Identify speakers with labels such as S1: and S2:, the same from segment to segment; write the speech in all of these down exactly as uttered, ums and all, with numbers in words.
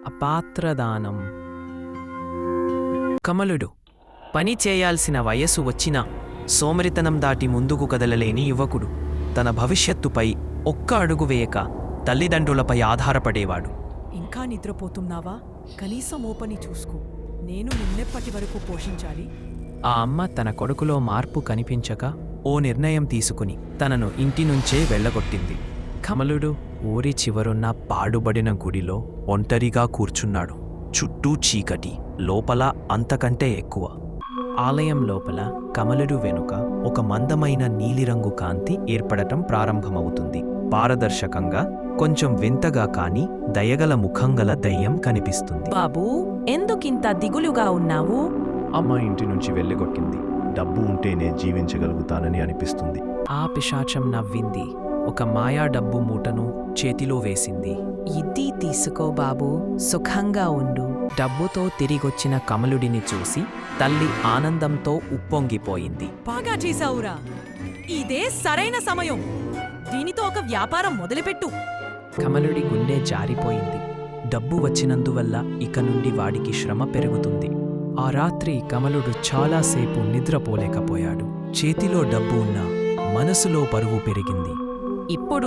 S1: అపాత్రదానం. కమలుడు పని చేయాల్సిన వయస్సు వచ్చినా సోమరితనం దాటి ముందుకు కదలలేని యువకుడు. తన భవిష్యత్తుపై ఒక్క అడుగు వేయక తల్లిదండ్రులపై ఆధారపడేవాడు.
S2: ఇంకా నిద్రపోతున్నావా? కనీసం ఓపని చూసుకో. నేను నిన్నెప్పటి వరకు పోషించాలి.
S1: ఆ అమ్మ తన కొడుకులో మార్పు కనిపించక ఓ నిర్ణయం తీసుకుని తనను ఇంటి నుంచే వెళ్ళగొట్టింది. కమలుడు ఊరి చివరున్న పాడుబడిన గుడిలో ఒంటరిగా కూర్చున్నాడు. చుట్టూ చీకటి, లోపల అంతకంటే ఎక్కువ. ఆలయం లోపల కమలుడు వెనుక ఒక మందమైన నీలిరంగు కాంతి ఏర్పడటం ప్రారంభమవుతుంది. పారదర్శకంగా, కొంచెం వింతగా కాని దయగల ముఖంగల దయ్యం కనిపిస్తుంది.
S2: బాబూ, ఎందుకింత దిగులుగా ఉన్నావు?
S3: అమ్మ ఇంటి నుంచి వెళ్ళగొట్టింది. డబ్బు ఉంటేనే జీవించగలుగుతానని అనిపిస్తుంది.
S1: ఆ పిశాచం నవ్వింది. ఒక మాయా డబ్బు మూటను చేతిలో వేసింది.
S2: ఇది తీసుకో బాబూ, సుఖంగా ఉండు.
S1: డబ్బుతో తిరిగొచ్చిన కమలుడిని చూసి తల్లి ఆనందంతో ఉప్పొంగిపోయింది.
S2: బాగా చేశావురా. ఇదే సరైన సమయం. దీనితో ఒక వ్యాపారం మొదలుపెట్టు.
S1: కమలుడి గుండె జారిపోయింది. డబ్బు వచ్చినందువల్ల ఇక నుండి వాడికి శ్రమ పెరుగుతుంది. ఆ రాత్రి కమలుడు చాలాసేపు నిద్రపోలేకపోయాడు. చేతిలో డబ్బు ఉన్నా మనసులో బరువు పెరిగింది.
S2: ఇప్పుడు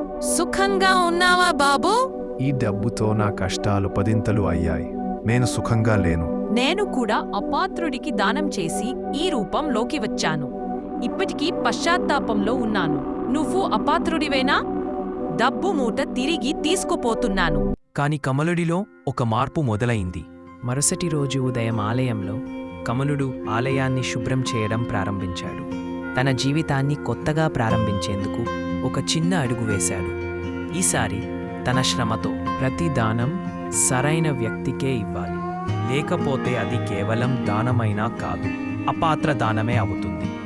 S2: సుఖంగా ఉన్నావా బాబూ?
S3: ఈ డబ్బుతో నా కష్టాలు పదింతలు అయ్యాయి. నేను సుఖంగా లేను.
S2: నేను కూడా అపాత్రుడికి దానం చేసి ఈ రూపంలోకి వచ్చాను. ఇప్పటికీ పశ్చాత్తాపంలో ఉన్నాను. నువ్వు అపాత్రుడివేనా? డబ్బు మూట తిరిగి తీసుకుపోతున్నాను.
S1: కాని కమలుడిలో ఒక మార్పు మొదలైంది. మరుసటి రోజు ఉదయం ఆలయంలో కమలుడు ఆలయాన్ని శుభ్రం చేయడం ప్రారంభించాడు. తన జీవితాన్ని కొత్తగా ప్రారంభించేందుకు ఒక చిన్న అడుగు వేశాడు. ఈసారి తన శ్రమతో ప్రతి దానం సరైన వ్యక్తికే ఇవ్వాలి. లేకపోతే అది కేవలం దానమైనా కాదు, అపాత్ర దానమే అవుతుంది.